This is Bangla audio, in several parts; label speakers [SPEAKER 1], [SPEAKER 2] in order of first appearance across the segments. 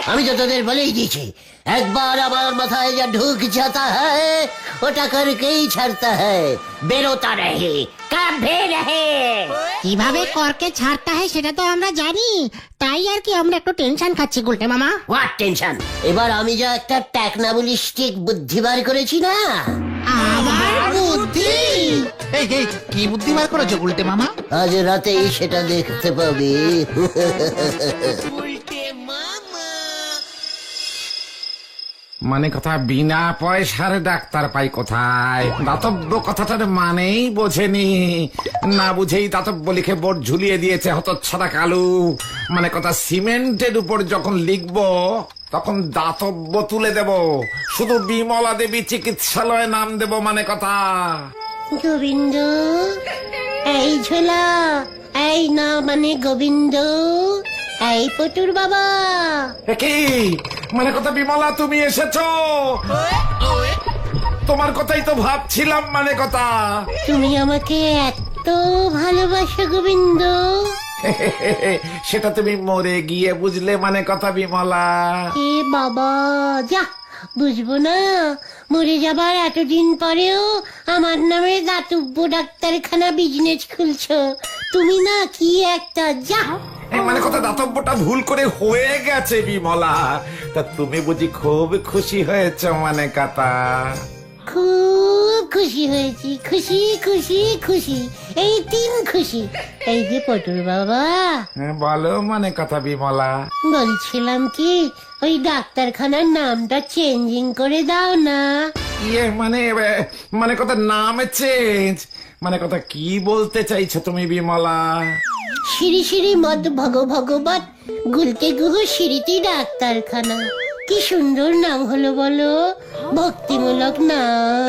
[SPEAKER 1] আমি তো তোদের বলেই দিয়েছি, একবার আমার মাথায় যা ঢুক जाता है ওটা করকেই ছাড়তা है, বেরোতা রহে কবে রহে।
[SPEAKER 2] কিভাবে করকে ছাড়তে হয় সেটা তো আমরা জানি, তাই আর কি আমরা একটু টেনশন খাচ্ছি গুলটে মামা।
[SPEAKER 1] What tension? এবার আমি যা একটা টেকনাবলিস্টিক বুদ্ধি বার করেছি না।
[SPEAKER 2] আবার বুদ্ধি?
[SPEAKER 3] এই কি বুদ্ধি বার করেছো গুলটে মামা?
[SPEAKER 1] আজ রাতেই সেটা দেখতে পাবি।
[SPEAKER 4] মানে কথা বিনা পয়সার ডাক্তার পাই কোথায়? দাতব্য কথাটার মানেই বোঝেনি, না বুঝেই দাতব্য লিখে বোর্ড ঝুলিয়ে দিয়েছে হতচ্ছাড়া কালু। মানে কথা সিমেন্টের উপর যখন লিখবো তখন দাতব্য তুলে দেব, শুধু বিমলা দেবী চিকিৎসালয়ে নাম দেব। মানে কথা
[SPEAKER 1] গোবিন্দ, এই ঝোলা, এই না মানে গোবিন্দ, এই পটুর বাবা।
[SPEAKER 4] কি মানে কথা বিমলা, তুমি এসেছো? তোমার কথাই তো ভাবছিলাম। মানে কথা
[SPEAKER 1] তুমি আমাকে এত ভালোবাসো গোবিন্দ?
[SPEAKER 4] সেটা তুমি মরে গিয়ে বুঝলে। মানে কথা বিমলা,
[SPEAKER 1] এ বাবা, যা বুঝবো না? মরে যাবার এতদিন পরেও আমার নামে দাতব্য ডাক্তারখানা বিজনেস খুলছো তুমি না? কি একটা, যা।
[SPEAKER 4] মানে কথা দাতব্যটা ভুল করে হয়ে গেছে বিমলা, তা তুমি বুঝি খুব খুশি হয়েছ? মানে কথা
[SPEAKER 1] খুব খুশি হয়েছি, খুশি খুশি খুশি, এই তিন খুশি। এই যে পটুর বাবা,
[SPEAKER 4] বলো। মানে কথা বিমলা,
[SPEAKER 1] বলছিলাম কি, ওই ডাক্তারখানার নামটা চেঞ্জিং করে দাও না।
[SPEAKER 4] ইয়ে মানে কথা নাম চেঞ্জ? মানে কথা কি বলতে চাইছো তুমি বিমলা?
[SPEAKER 1] শ্রী শ্রী মদ ভগবত গুলতে গুহ স্মৃতি ডাক্তারখানা। কি সুন্দর নাম হলো বলো, ভক্তিমূলক নাম।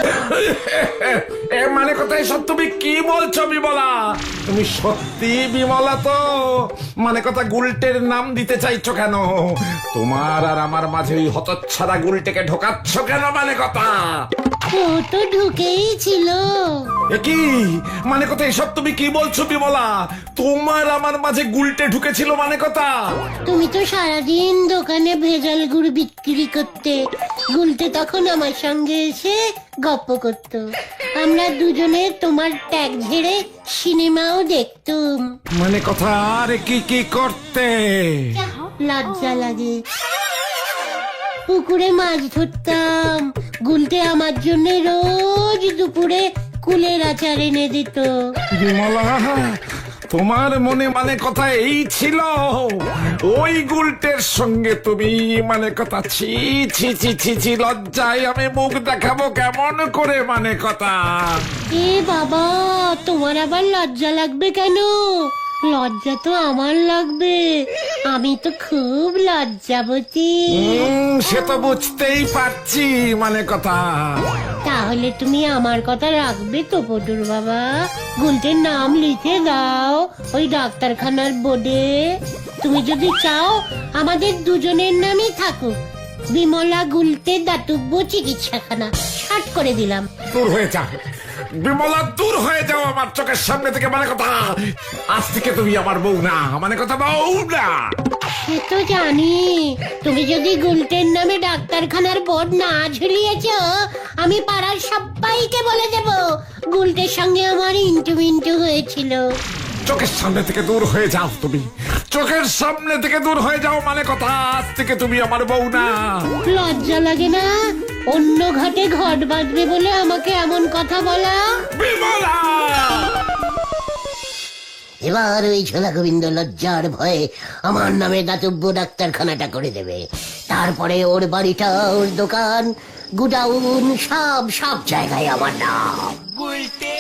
[SPEAKER 4] মানে কথা এসব তুমি কি বলছো বিমলা? তুমি সত্যি বিমলা তো? মানে কথা গুলটের নাম দিতে চাইছো কেন? তোমার আর আমার মাঝে ওই হতচ্ছাড়া গুলটেকে ঢোকাচ্ছ কেন? মানে কথা
[SPEAKER 1] ও তো ঢুকেই ছিল।
[SPEAKER 4] কি মানে কথা এসব তুমি কি বলছো বিমলা? তোমার আমার মাঝে গুলটে ঢুকেছিল? মানে কথা
[SPEAKER 1] তুমি তো সারাদিন দোকানে ভেজাল গুড় বিক্রি করতে, গুলতে তখন আমার সঙ্গে এসে গপ্প করত। আমরা দুজনে তোমার ট্যাগ ঝেড়ে সিনেমাও দেখতুম।
[SPEAKER 4] মানে কথা আরে কি কি করতে?
[SPEAKER 1] লজ্জা লাগে। পুকুরে মাছ ধরতাম, গুলতে আমার জন্য রোজ দুপুরে কুলের আচার এনে দিত।
[SPEAKER 4] বিমলা, তোমার মনে মানে কথা এই ছিল? ওই গুলটের সঙ্গে তুমি মানে কথা? ছি ছি ছি ছি ছি, লজ্জায় আমি মুখ দেখাবো কেমন করে? মানে কথা
[SPEAKER 1] এ বাবা, তোমার আবার লজ্জা লাগবে কেন? লজ্জা তো আমার লাগবে, আমি তো খুব লজ্জাবতী।
[SPEAKER 4] সে তো বুঝতেই পারছি। মানে কথা
[SPEAKER 1] তাহলে তুমি আমার কথা রাখবে তো পটুর বাবা? গুলটের নাম লিখে দাও ওই ডাক্তারখানার বোর্ডে। তুমি যদি চাও আমাদের দুজনের নামই থাকুক, বিমলা গুলতে দাতব্য চিকিৎসাখানা। শার্ট করে দিলাম।
[SPEAKER 4] দূর হয়ে যাও বিমলা, দূর হয়ে যাও আমার চোখের সামনে থেকে। মানে কথা আজ থেকে তুমি আমার বউ না। মানে কথা বউ না।
[SPEAKER 1] সে তো জানি, তুমি যদি গুলটের নামে ডাক্তারখানার বোর্ড না ঝুলিয়েছ, আমি পাড়ার সবাইকে বলে দেব গুলটের সঙ্গে আমার ইন্টু মিন্টু হয়েছিল।
[SPEAKER 4] চোখের সামনে থেকে দূর হয়ে যাও তুমি, চোখের সামনে থেকে দূর হয়ে যাও। মানে কথা আজ থেকে তুমি আমার বউ না।
[SPEAKER 1] লজ্জা লাগে না অন্য ঘাটে ঘট বাঁধবে বলে আমাকে এমন কথা বলা?
[SPEAKER 4] বিমলা,
[SPEAKER 1] এবার ওই ছোলা গোবিন্দ লজ্জার ভয়ে আমার নামে দাতব্য ডাক্তারখানাটা করে দেবে। তারপরে ওর বাড়িটা, ওর দোকান, গুডাউন, সব সব জায়গায় আমার নাম।